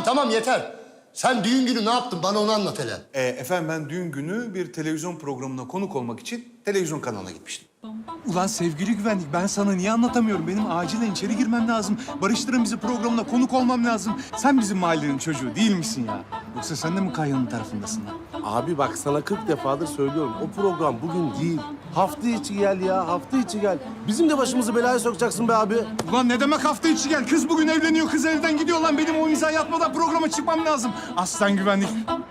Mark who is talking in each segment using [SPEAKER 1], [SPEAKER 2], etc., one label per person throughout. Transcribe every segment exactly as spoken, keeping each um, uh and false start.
[SPEAKER 1] tamam yeter. Sen düğün günü ne yaptın? Bana onu anlat hele.
[SPEAKER 2] Ee, efendim ben düğün günü bir televizyon programına konuk olmak için televizyon kanalına gitmiştim.
[SPEAKER 3] Ulan sevgili güvenlik, ben sana niye anlatamıyorum? Benim acilen içeri girmem lazım. Barıştırın bizi programına konuk olmam lazım. Sen bizim mahallenin çocuğu değil misin ya? Yoksa sen de mi Kayhan'ın tarafındasın lan?
[SPEAKER 4] Abi bak sana kırk defadır söylüyorum. O program bugün değil. Hafta içi gel ya, hafta içi gel. Bizim de başımızı belaya sokacaksın be abi.
[SPEAKER 3] Ulan ne demek hafta içi gel? Kız bugün evleniyor, kız evden gidiyor lan. Benim o imza yatmadan programa çıkmam lazım. Aslan güvenlik.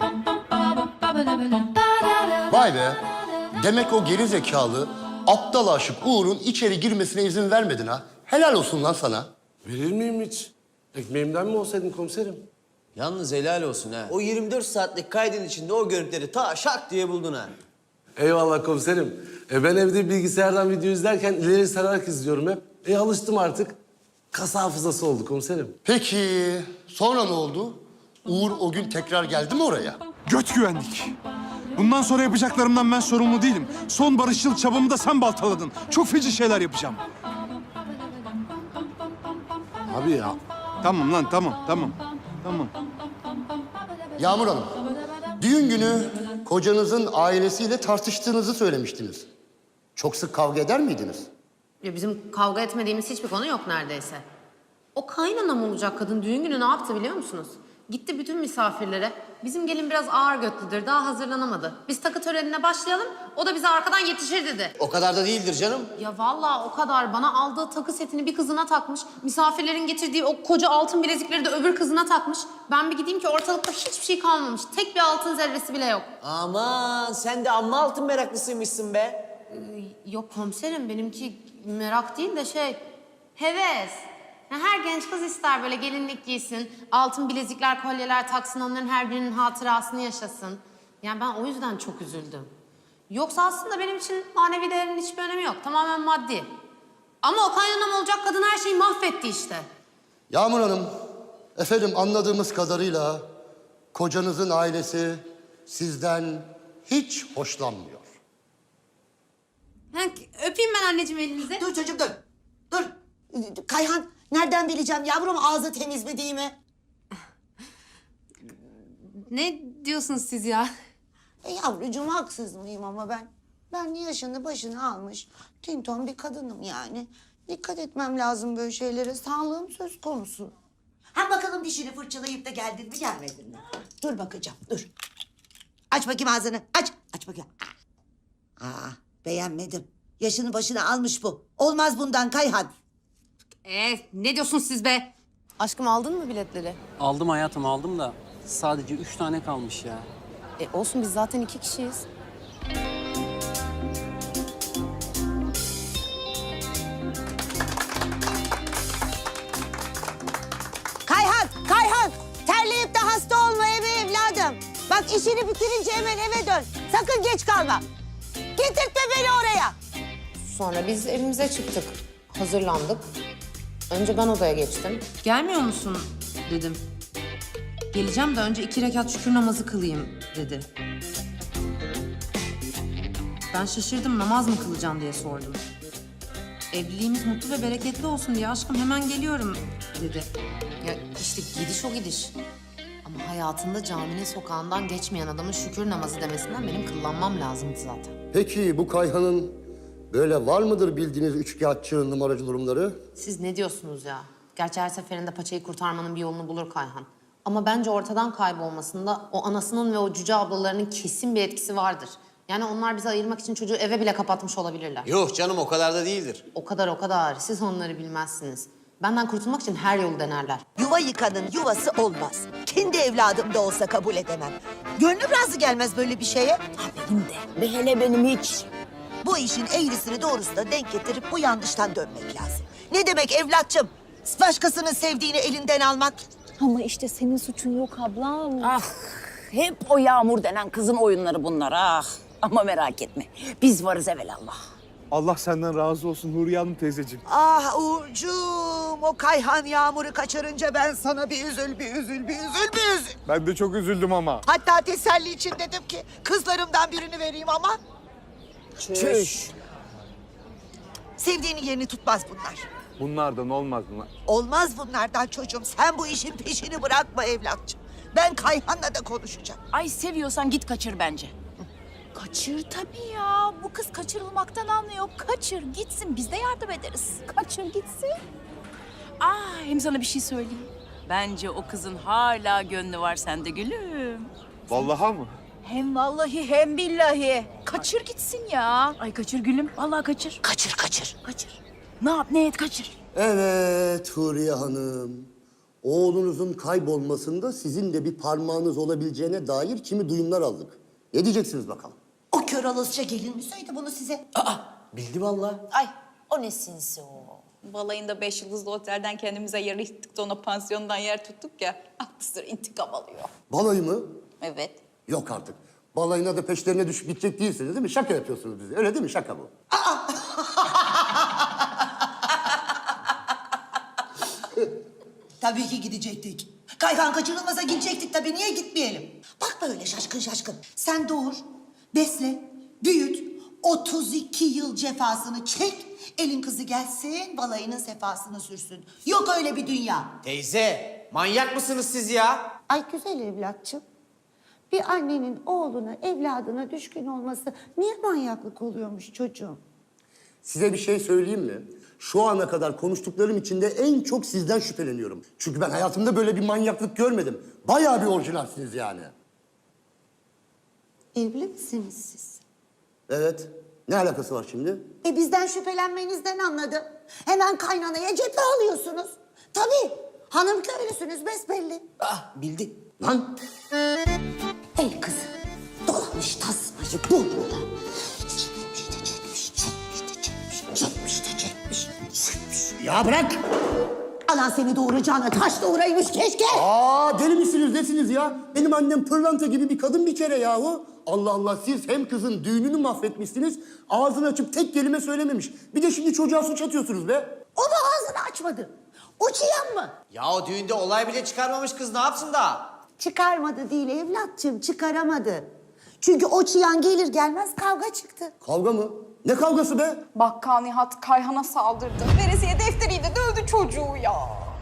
[SPEAKER 1] Vay be. Demek o geri zekalı, aptal aşık Uğur'un içeri girmesine izin vermedin ha. Helal olsun lan sana.
[SPEAKER 4] Verir miyim hiç? Ekmeğimden mi olsaydın komiserim?
[SPEAKER 5] Yalnız helal olsun ha. O yirmi dört saatlik kaydın içinde o görüntüleri ta şak diye buldun ha.
[SPEAKER 4] Eyvallah komiserim. E ben evde bilgisayardan video izlerken ileri sararak izliyorum hep. E alıştım artık. Kas hafızası oldu komiserim.
[SPEAKER 1] Peki sonra ne oldu? Uğur o gün tekrar geldi mi oraya?
[SPEAKER 3] Göt güvenlik. Bundan sonra yapacaklarımdan ben sorumlu değilim. Son barışçıl çabamı da sen baltaladın. Çok feci şeyler yapacağım.
[SPEAKER 4] Abi ya.
[SPEAKER 3] Tamam lan, tamam, tamam. Tamam.
[SPEAKER 1] Yağmur Hanım, düğün günü kocanızın ailesiyle tartıştığınızı söylemiştiniz. Çok sık kavga eder miydiniz?
[SPEAKER 6] Ya bizim kavga etmediğimiz hiçbir konu yok neredeyse. O kaynanam olacak kadın düğün günü ne yaptı biliyor musunuz? Gitti bütün misafirlere. Bizim gelin biraz ağır götlüdür, daha hazırlanamadı. Biz takı törenine başlayalım, o da bize arkadan yetişir dedi.
[SPEAKER 5] O kadar da değildir canım.
[SPEAKER 6] Ya vallahi o kadar. Bana aldığı takı setini bir kızına takmış. Misafirlerin getirdiği o koca altın bilezikleri de öbür kızına takmış. Ben bir gideyim ki ortalıkta hiçbir şey kalmamış. Tek bir altın zerresi bile yok.
[SPEAKER 5] Aman sen de amma altın meraklısıymışsın be.
[SPEAKER 6] Ee, yok komiserim, benimki merak değil de şey, heves. Ya her genç kız ister böyle gelinlik giysin, altın bilezikler, kolyeler taksın, onların her birinin hatırasını yaşasın. Yani ben o yüzden çok üzüldüm. Yoksa aslında benim için manevi değerin hiçbir önemi yok, tamamen maddi. Ama o kaynanam olacak kadın her şeyi mahvetti işte.
[SPEAKER 1] Yağmur Hanım, efendim anladığımız kadarıyla kocanızın ailesi sizden hiç hoşlanmıyor.
[SPEAKER 6] Ha, öpeyim ben anneciğim elinizi.
[SPEAKER 7] Dur çocuğum dur. Dur. Kayhan nereden bileceğim yavrum ağzı temiz mi değil mi?
[SPEAKER 6] Ne diyorsunuz siz ya?
[SPEAKER 7] E yavrucuğum haksız mıyım ama ben? Ben yaşını başını almış tinton bir kadınım yani. Dikkat etmem lazım böyle şeylere. Sağlığım söz konusu. Ha bakalım dişini fırçalayıp da geldin mi gelmedin mi? Dur bakacağım dur. Aç bakayım ağzını aç. Aç bakayım. Aa beğenmedim. Yaşını başını almış bu. Olmaz bundan Kayhan.
[SPEAKER 6] Ee, ne diyorsunuz siz be? Aşkım aldın mı biletleri?
[SPEAKER 8] Aldım hayatım aldım da sadece üç tane kalmış ya.
[SPEAKER 6] E olsun, biz zaten iki kişiyiz.
[SPEAKER 7] Kayhan, Kayhan! Terleyip de hasta olma eve evladım. Bak işini bitirince hemen eve dön. Sakın geç kalma. Getirtme beni oraya.
[SPEAKER 6] Sonra biz evimize çıktık. Hazırlandık. Önce ben odaya geçtim. Gelmiyor musun dedim. Geleceğim de önce iki rekat şükür namazı kılayım dedi. Ben şaşırdım, namaz mı kılacağım diye sordum. Evliliğimiz mutlu ve bereketli olsun diye aşkım hemen geliyorum dedi. Ya işte gidiş o gidiş. Ama hayatında caminin sokağından geçmeyen adamın şükür namazı demesinden benim kıllanmam lazımdı zaten.
[SPEAKER 1] Peki bu Kayhan'ın böyle var mıdır bildiğiniz üçkağıtçı numaracı durumları?
[SPEAKER 6] Siz ne diyorsunuz ya? Gerçi her seferinde paçayı kurtarmanın bir yolunu bulur Kayhan. Ama bence ortadan kaybolmasında o anasının ve o cüce ablalarının kesin bir etkisi vardır. Yani onlar bizi ayırmak için çocuğu eve bile kapatmış olabilirler.
[SPEAKER 5] Yok canım o kadar da değildir.
[SPEAKER 6] O kadar o kadar. Siz onları bilmezsiniz. Benden kurtulmak için her yolu denerler.
[SPEAKER 7] Yuva yıkanın yuvası olmaz. Kendi evladım da olsa kabul edemem. Gönlüm razı gelmez böyle bir şeye. Ha benim de. Ve hele benim hiç. Bu işin eğrisini doğrusuna denk getirip bu yanlıştan dönmek lazım. Ne demek evlatçım? Başkasının sevdiğini elinden almak.
[SPEAKER 9] Ama işte senin suçun yok ablam. Ah, hep o Yağmur denen kızın oyunları bunlar ah. Ama merak etme, biz varız evelallah.
[SPEAKER 3] Allah senden razı olsun Huriye Hanım teyzeciğim.
[SPEAKER 7] Ah Uğurcuğum, o Kayhan Yağmur'u kaçırınca ben sana bir üzül, bir üzül, bir üzül, bir üzül.
[SPEAKER 3] Ben de çok üzüldüm ama.
[SPEAKER 7] Hatta teselli için dedim ki kızlarımdan birini vereyim ama...
[SPEAKER 9] Çüş.
[SPEAKER 7] Sevdiğinin yerini tutmaz bunlar.
[SPEAKER 3] Bunlardan olmaz bunlar.
[SPEAKER 10] Olmaz bunlardan çocuğum. Sen bu işin peşini bırakma evlatçım. Ben Kayhan'la da konuşacağım.
[SPEAKER 9] Ay seviyorsan git kaçır bence.
[SPEAKER 11] Kaçır tabii ya. Bu kız kaçırılmaktan anlıyor. Kaçır gitsin, biz de yardım ederiz. Kaçır gitsin.
[SPEAKER 9] Ah hem sana bir şey söyleyeyim. Bence o kızın hala gönlü var sende gülüm.
[SPEAKER 3] Vallahi mı?
[SPEAKER 11] Hem vallahi hem billahi. Kaçır gitsin ya.
[SPEAKER 9] Ay kaçır gülüm. Vallahi kaçır.
[SPEAKER 10] Kaçır kaçır.
[SPEAKER 9] Kaçır. Ne yap ne et kaçır.
[SPEAKER 1] Evet Huriye Hanım. Oğlunuzun kaybolmasında sizin de bir parmağınız olabileceğine dair kimi duyumlar aldık. Ne diyeceksiniz bakalım?
[SPEAKER 7] O kör alasıca gelin mi söyledi bunu size?
[SPEAKER 5] Bildi vallahi.
[SPEAKER 11] Ay o ne sinsi o. Balayında beş yıldızlı otelden kendimize yer yıktık da ona pansiyondan yer tuttuk ya. Haklısır intikam alıyor.
[SPEAKER 1] Balayı mı?
[SPEAKER 11] Evet.
[SPEAKER 1] Yok artık. Balayına da peşlerine düşüp gidecek değilsiniz değil mi? Şaka yapıyorsunuz bize. Öyle değil mi? Şaka bu.
[SPEAKER 10] Tabii ki gidecektik. Kayhan kaçırılmasa gidecektik tabii. Niye gitmeyelim? Bakma öyle şaşkın şaşkın. Sen doğur, besle, büyüt. otuz iki yıl cefasını çek. Elin kızı gelsin, balayının sefasını sürsün. Yok öyle bir dünya.
[SPEAKER 5] Teyze, manyak mısınız siz ya?
[SPEAKER 7] Ay güzel evlatçım. Bir annenin oğluna, evladına düşkün olması niye manyaklık oluyormuş çocuğum?
[SPEAKER 1] Size bir şey söyleyeyim mi? Şu ana kadar konuştuklarım içinde en çok sizden şüpheleniyorum. Çünkü ben hayatımda böyle bir manyaklık görmedim. Bayağı bir orijinalsiniz yani.
[SPEAKER 7] Evli misiniz siz?
[SPEAKER 1] Evet. Ne alakası var şimdi?
[SPEAKER 7] E bizden şüphelenmenizden anladım. Hemen kaynanaya cephe alıyorsunuz. Tabii. Hanım köylüsünüz besbelli.
[SPEAKER 5] Ah, bildi.
[SPEAKER 1] Lan!
[SPEAKER 7] El kızı dolamış tasmacı burnuna. Çekmiş de çekmiş, çekmiş de çekmiş, çekmiş de çekmiş, çekmiş.
[SPEAKER 1] Ya bırak!
[SPEAKER 7] Anan seni doğuracağına taş doğuraymış keşke.
[SPEAKER 1] Aa deli misiniz nesiniz ya? Benim annem pırlanta gibi bir kadın bir kere yahu. Allah Allah siz hem kızın düğününü mahvetmişsiniz, ağzını açıp tek kelime söylememiş. Bir de şimdi çocuğa suç atıyorsunuz be.
[SPEAKER 7] O da ağzını açmadı. Uçuyan mı?
[SPEAKER 5] Ya o düğünde olay bile çıkarmamış kız ne yapsın da?
[SPEAKER 7] Çıkarmadı değil evlatçım, çıkaramadı. Çünkü o çıyan gelir gelmez kavga çıktı.
[SPEAKER 1] Kavga mı? Ne kavgası be?
[SPEAKER 11] Bakkal Nihat Kayhan'a saldırdı. Veresiye defteriyle dövdü çocuğu ya.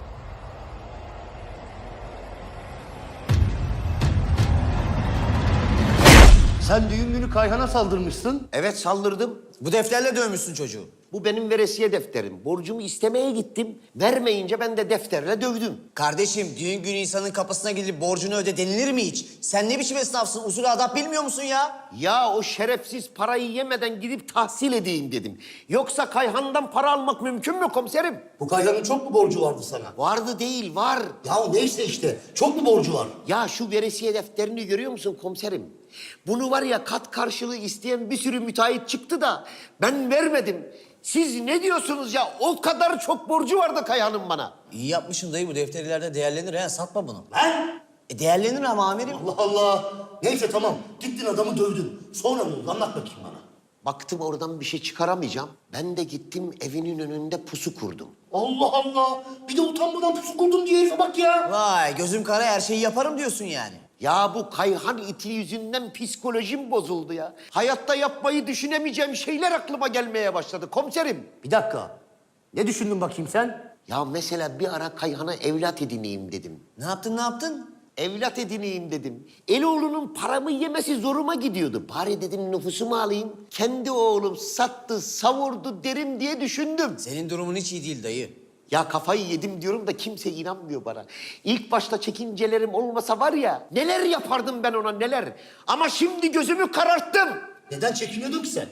[SPEAKER 1] Sen düğün günü Kayhan'a saldırmışsın.
[SPEAKER 5] Evet saldırdım. Bu defterle dövmüşsün çocuğu.
[SPEAKER 12] Bu benim veresiye defterim. Borcumu istemeye gittim. Vermeyince ben de defterle dövdüm.
[SPEAKER 5] Kardeşim düğün günü insanın kapısına gidip borcunu öde denilir mi hiç? Sen ne biçim esnafsın? Usul adap bilmiyor musun ya?
[SPEAKER 12] Ya o şerefsiz parayı yemeden gidip tahsil edeyim dedim. Yoksa Kayhan'dan para almak mümkün mü komiserim?
[SPEAKER 1] Bu Kayhan'ın çok mu borcu vardı sana?
[SPEAKER 12] Vardı değil, var.
[SPEAKER 1] Ya neyse işte, çok mu borcu var?
[SPEAKER 12] Ya şu veresiye defterini görüyor musun komiserim? Bunu var ya kat karşılığı isteyen bir sürü müteahhit çıktı da ben vermedim. Siz ne diyorsunuz ya? O kadar çok borcu vardı Kayhan'ın bana.
[SPEAKER 5] İyi yapmışsın dayı bu defter ileride değerlenir ha satma bunu.
[SPEAKER 1] Lan!
[SPEAKER 5] E değerlenir ama amirim.
[SPEAKER 1] Allah Allah! Neyse tamam, gittin adamı dövdün. Sonra ne oldu? Anlat bakayım bana.
[SPEAKER 12] Baktım oradan bir şey çıkaramayacağım. Ben de gittim evinin önünde pusu kurdum.
[SPEAKER 1] Allah Allah! Bir de utanmadan pusu kurdum diye herife bak ya!
[SPEAKER 5] Vay gözüm kara her şeyi yaparım diyorsun yani.
[SPEAKER 12] Ya bu Kayhan iti yüzünden psikolojim bozuldu ya. Hayatta yapmayı düşünemeyeceğim şeyler aklıma gelmeye başladı komiserim.
[SPEAKER 1] Bir dakika. Ne düşündün bakayım sen?
[SPEAKER 12] Ya mesela bir ara Kayhan'a evlat edineyim dedim.
[SPEAKER 5] Ne yaptın ne yaptın?
[SPEAKER 12] Evlat edineyim dedim. Eloğlunun paramı yemesi zoruma gidiyordu. Bari dedim nüfusumu alayım. Kendi oğlum sattı, savurdu derim diye düşündüm.
[SPEAKER 5] Senin durumun hiç iyi değil dayı.
[SPEAKER 12] Ya kafayı yedim diyorum da kimse inanmıyor bana. İlk başta çekincelerim olmasa var ya neler yapardım ben ona neler. Ama şimdi gözümü kararttım.
[SPEAKER 1] Neden çekiniyordun ki sen?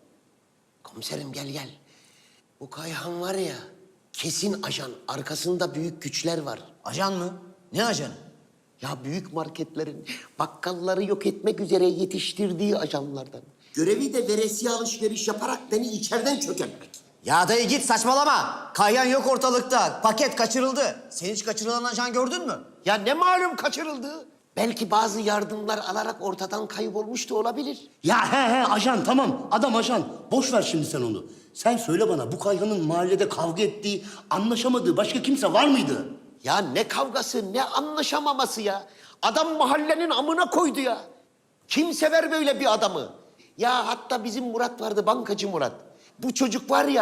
[SPEAKER 12] Komiserim gel gel. Bu Kayhan var ya kesin ajan. Arkasında büyük güçler var.
[SPEAKER 5] Ajan mı? Ne ajanı?
[SPEAKER 12] Ya büyük marketlerin bakkalları yok etmek üzere yetiştirdiği ajanlardan. Görevi de veresiye alışveriş yaparak beni içeriden çökertmek.
[SPEAKER 5] Ya dayı git saçmalama. Kayhan yok ortalıkta. Paket kaçırıldı. Sen hiç kaçırılan ajan gördün mü?
[SPEAKER 12] Ya ne malum kaçırıldı? Belki bazı yardımlar alarak ortadan kaybolmuş da olabilir.
[SPEAKER 1] Ya he he ajan tamam. Adam ajan. Boş ver şimdi sen onu. Sen söyle bana bu Kayhan'ın mahallede kavga ettiği, anlaşamadığı başka kimse var mıydı?
[SPEAKER 12] Ya ne kavgası, ne anlaşamaması ya. Adam mahallenin amına koydu ya. Kim sever böyle bir adamı? Ya hatta bizim Murat vardı, bankacı Murat. Bu çocuk var ya,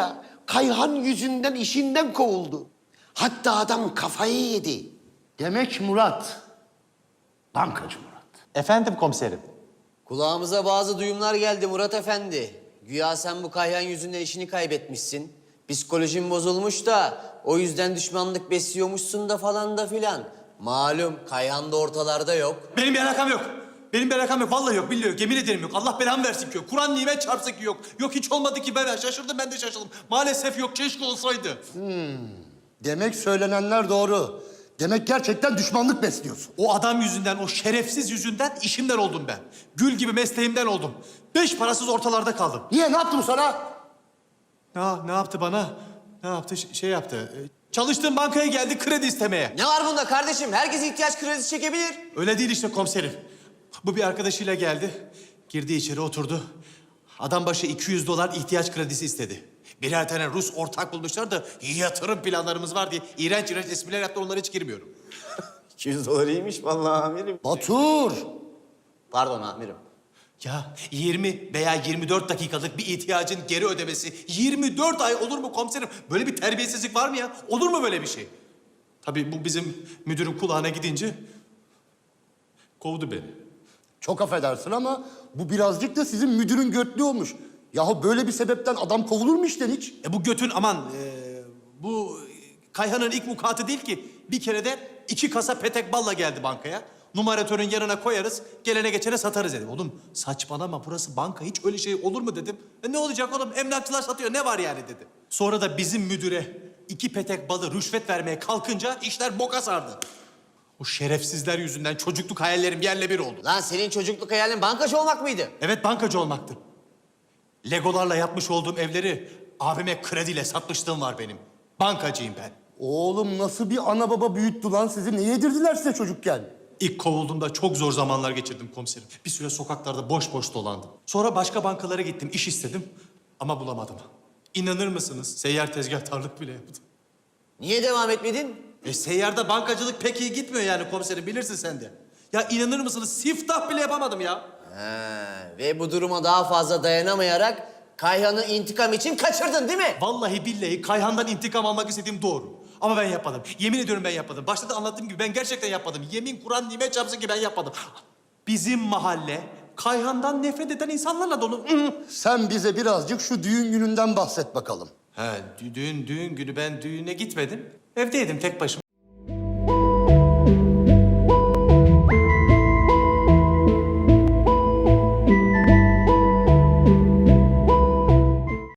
[SPEAKER 12] Kayhan yüzünden işinden kovuldu. Hatta adam kafayı yedi.
[SPEAKER 1] Demek Murat. Bankacı Murat.
[SPEAKER 13] Efendim komiserim.
[SPEAKER 5] Kulağımıza bazı duyumlar geldi Murat Efendi. Güya sen bu Kayhan yüzünden işini kaybetmişsin. Psikolojin bozulmuş da o yüzden düşmanlık besliyormuşsun da falan da filan. Malum Kayhan da ortalarda yok.
[SPEAKER 13] Benim bir alakam yok. Benim bir alakam yok. Vallahi yok, billahi yok. Yemin ederim yok. Allah belamı versin ki yok. Kur'an nimet çarpsın ki yok. Yok hiç olmadı ki ben şaşırdım, ben de şaşırdım. Maalesef yok, keşke olsaydı.
[SPEAKER 1] Demek söylenenler doğru. Demek gerçekten düşmanlık besliyorsun.
[SPEAKER 13] O adam yüzünden, o şerefsiz yüzünden işimden oldum ben. Gül gibi mesleğimden oldum. Beş parasız ortalarda kaldım.
[SPEAKER 1] Niye? Ne yaptım sana?
[SPEAKER 13] Ne, ne yaptı bana? Ne yaptı? Ş- şey yaptı. Ee, Çalıştığım bankaya geldi kredi istemeye.
[SPEAKER 5] Ne var bunda kardeşim? Herkes ihtiyaç kredisi çekebilir.
[SPEAKER 13] Öyle değil işte komiserim. Bu bir arkadaşıyla geldi. Girdi içeri oturdu. Adam başı iki yüz dolar ihtiyaç kredisi istedi. Birer tane Rus ortak bulmuşlar da yatırım planlarımız var diye iğrenç iğrenç espriler yaptı, onlara hiç girmiyorum.
[SPEAKER 5] iki yüz dolar iyiymiş vallahi amirim.
[SPEAKER 1] Batur.
[SPEAKER 5] Pardon amirim.
[SPEAKER 13] Ya yirmi veya yirmi dört dakikalık bir ihtiyacın geri ödemesi yirmi dört ay olur mu komiserim? Böyle bir terbiyesizlik var mı ya? Olur mu böyle bir şey? Tabii bu bizim müdürün kulağına gidince kovdu beni.
[SPEAKER 1] Çok affedersin ama bu birazcık da sizin müdürün götlü olmuş. Yahu böyle bir sebepten adam kovulur mu işten hiç?
[SPEAKER 13] E bu götün aman e, bu Kayhan'ın ilk vukuatı değil ki. Bir kere de iki kasa petek balla geldi bankaya. Numaratörün yanına koyarız, gelene geçene satarız dedim. Oğlum saçmalama, burası banka, hiç öyle şey olur mu dedim. E ne olacak oğlum, emlakçılar satıyor, ne var yani dedi. Sonra da bizim müdüre iki petek balı rüşvet vermeye kalkınca işler boka sardı. O şerefsizler yüzünden çocukluk hayallerim yerle bir oldu.
[SPEAKER 5] Lan senin çocukluk hayalin bankacı olmak mıydı?
[SPEAKER 13] Evet, bankacı olmaktı. Legolarla yapmış olduğum evleri abime krediyle satmışlığım var benim. Bankacıyım ben.
[SPEAKER 1] Oğlum nasıl bir ana baba büyüttü lan sizi? Ne yedirdiler size çocukken?
[SPEAKER 13] İlk kovulduğumda çok zor zamanlar geçirdim komiserim. Bir süre sokaklarda boş boş dolandım. Sonra başka bankalara gittim, iş istedim ama bulamadım. İnanır mısınız? Seyyar tezgahtarlık bile yaptım.
[SPEAKER 5] Niye devam etmedin?
[SPEAKER 13] E seyyarda bankacılık pek iyi gitmiyor yani komiserim, bilirsin sen de. Ya inanır mısınız? Siftah bile yapamadım ya.
[SPEAKER 5] Ha, ve bu duruma daha fazla dayanamayarak Kayhan'ı intikam için kaçırdın değil mi?
[SPEAKER 13] Vallahi billahi Kayhan'dan intikam almak istediğim doğru. Ama ben yapmadım. Yemin ediyorum ben yapmadım. Başta da anlattığım gibi ben gerçekten yapmadım. Yemin Kur'an nimet çarpsın ki ben yapmadım. Bizim mahalle Kayhan'dan nefret eden insanlarla dolu.
[SPEAKER 1] Sen bize birazcık şu düğün gününden bahset bakalım.
[SPEAKER 13] He, dü- düğün, düğün günü ben düğüne gitmedim. Evdeydim tek başıma.